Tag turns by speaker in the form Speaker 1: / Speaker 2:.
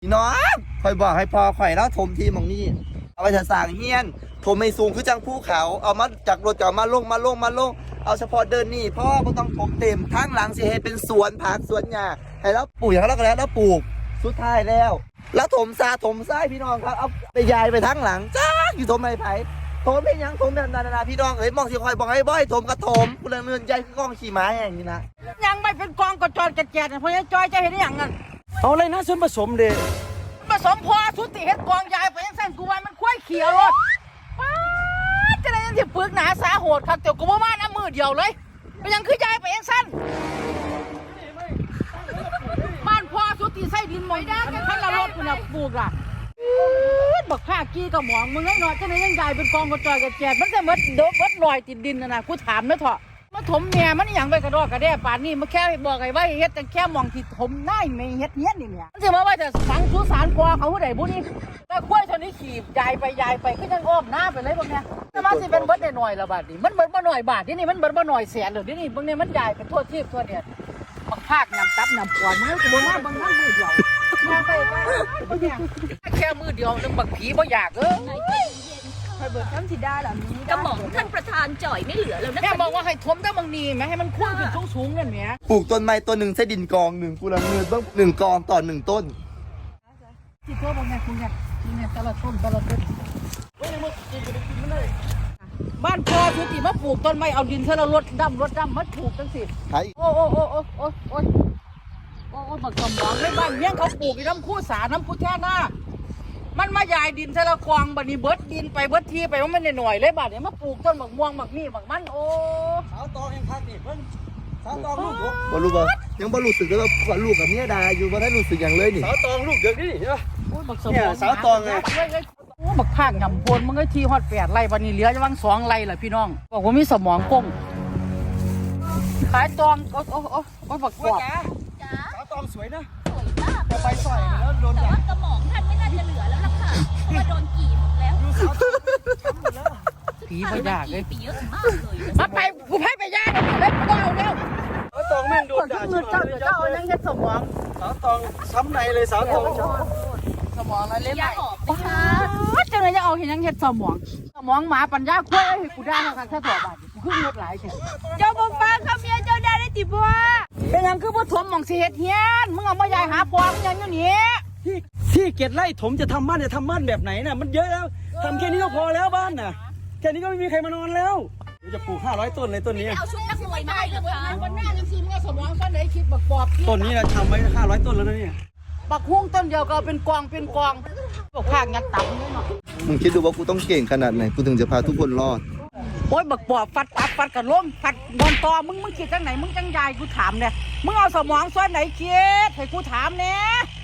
Speaker 1: พี่น้องคอยบอกให้พอข่อยแล้วถมทีมของนี่เอาไปถสร้างเฮียนถมไม่สูงคือจังภูเขาเอามาจากรถเก่ามาลงเอาเฉพาะเดินนี่พ่อไม่ต้องถมเต็มทั้งหลังสิให้เป็นสวนผักสวนหญ้าให้แล้วปลูกอย่างแล้วก็แล้วปลูกสุดท้ายแล้วถมซาถมซ้ายพี่น้องครับเอาไปยายไปทั้งหลังจ้าอยู่ถมไผ่ถมเป็นยังถมแบบนาพี่น้องเอ้ยมองสิคอยบอกให้บ่อยถมกระถมกูเลยเงินใจคือกล้องขี่ม้าอย่างนี้นะ
Speaker 2: ยังไม่เป็นกองกระจรกระแจดเพราะยังจอยจะเห็นอย่างนั้น
Speaker 3: เอาอะไรนะส่วนผสมเด้
Speaker 2: ผสมพอสุติเฮ็ดกองยายไปยังเส้นกูว่ามันคุ้ยเขียวรถป้าจะได้ยังที่ปึกหนาสาโหดครับเดี๋ยวกูว่ามาน้ำมือเดียวเลยไปยังคือยายไปยังสั้นบ้านพอสุติใส่ดินหมอยได้แค่พันละรถคุณปลูกล่ะบักข้ากี้กับหมองมึงให้หน่อยจะได้ยังยายเป็นกองกระจอยกระแจดมันจะมัดเดือบมัดลอยติดดินนะกูถามนะเถอะมาถมแม่มันอย่างไปกระดอกกระเดี่ยป่านนี้มาแค่บอกไอ้ว่าเฮ็ดแต่แค่มองที่ถมได้ไม่เฮ็ดเนี้ยนี่เนี่ยมันจะมาว่าจะสังสุสานกว่าเขาผู้ใดผู้นี้แต่กล้วยชนิดขี่ยายไปก็ยังอ้อมหน้าไปเลยพวกเนี้ยจะมาสิเป็นเบิดได้หน่อยละบาทนี่มันเบิดมาหน่อยบาทนี่มันเบิดมาหน่อยแสนหรือนี่พวกนี้มันยายเป็นทั่วทีบทั่วเนี่ยบางภาคนำตับนำปอนมันก็บ่มาบางท่านมือเดียวมาไปแค่มือเดียวนึงบักผีบ่อยากให้เบิดทำสิได้หรอนี้
Speaker 4: กระหม่อมท่านประธานจ่อยไม่เหลือแล้วนะ
Speaker 2: แม่บอกว่าให้ทมได้บางนีไหมให้มันคุ้นขึ้นสูงๆนั่นแหละ
Speaker 1: ปลูกต้นไม้ต้นหนึ่งใช้ดินกองหนึ่งกูละเงินต้อง1 กองต่อ1 ต้น
Speaker 2: ที่ตัวบางแม่คุณเนี่ยตลอดต้นบ้านพอสุติมาปลูกต้นไม้เอาดินเธอเรารถดำมาปลูกจังสิโอ้บักกำบังในบ้านเมี่ยงเขาปลูกน้ำคู่สาน้ำพุแท่หน้ามันมายายดินเธอละกองบัดนี้เบิดดินไปเบิดทีไปว่ามันหน่อยเลยบัดนี้มาปลูกต้นบักม่วงบักนี่บักมันโอ้
Speaker 3: สาวตองยังพักนี่เพิ่นสาวตองลูก
Speaker 1: บ่รู้บ่ยังบ่รู้สึกเลยว่าลูกกับเมียดาอยู่บ่ได้รู้สึกอย่างเลยนี่
Speaker 3: สาวตองลูกเด็กนี่ใช่ป่ะ
Speaker 2: บักสมอง
Speaker 3: สาวตองไง
Speaker 2: โอ้บักภาคยำพวนมึงไอ้ทีฮอด8 ไร่วันนี้เหลือจะวัง2 ไร่แหละพี่น้องบอกว่ามีสมองก้งขายตองโอ้บักกวาด
Speaker 3: สาวตองสวยนะ
Speaker 4: สวยมาก
Speaker 3: แต่ไปสอยแล้วโดน
Speaker 4: แต่ว่ากระหม่อมท่านไม่น่าจะเหลือแล้วล่ะค่ะเพราะว่าโดนกี่หมดแล้ว
Speaker 2: ผีบ่อยากเลย
Speaker 4: ผีเยอะมากเลย
Speaker 2: มาไปกูไปย่าเลยก็เอาแล้ว
Speaker 3: สาวตองแม่งโดนด่า
Speaker 2: เจ้ายังเฮ็ดสมอง
Speaker 3: สาวตองช้ำในเลยสาวตอง
Speaker 2: สมองอะไรเล่นไหน
Speaker 4: จัง
Speaker 2: เลยจะเอาเห็นยังเฮ็ดสมองหมาปัญญาคุ้ยให้กูได้ค่ะแค่ต่อบาทกูขึ้นรถหลายเจ้าบ่ฟังคำเมียเจ้าได้ติบ่เป็นยังคือบ่ถมหม่องสิเฮ็ดเฮียนมึงเอามายายหาพวงยังอยู่นี่
Speaker 3: ที่7 ไร่ถมจะทำบ้านแบบไหนน่ะมันเยอะแล้วทำแค่นี้ก็พอแล้วบ้านน่ะแค่นี้ก็ไม่มีใครมานอนแล้วจะปลูก500 ต้นเลยต้นนี้
Speaker 4: เอาชุดนักมวยมาให้เหรอคะ
Speaker 2: วันหน้าจังซี่มึงเอาสมองซ่อนไหนคิดบักปอบ
Speaker 3: ต้นนี้นะทำไว้500 ต้นแล้วนะเนี่ย
Speaker 2: บักฮุ้งต้นเดียวก็เป็นกองพวกข้างยัดตับนี่เนาะ
Speaker 1: มึงคิดดูว่ากูต้องเก่งขนาดไหนกูถึงจะพาทุกคนรอด
Speaker 2: โอ้ยบักปอบฟัดกับล้มฟัดบอลตอมึงคิดจังไหนมึงจังยายกูถามเนี่ยมึงเอาสมองซ่อนไหนคิดให้กูถามเนี่ย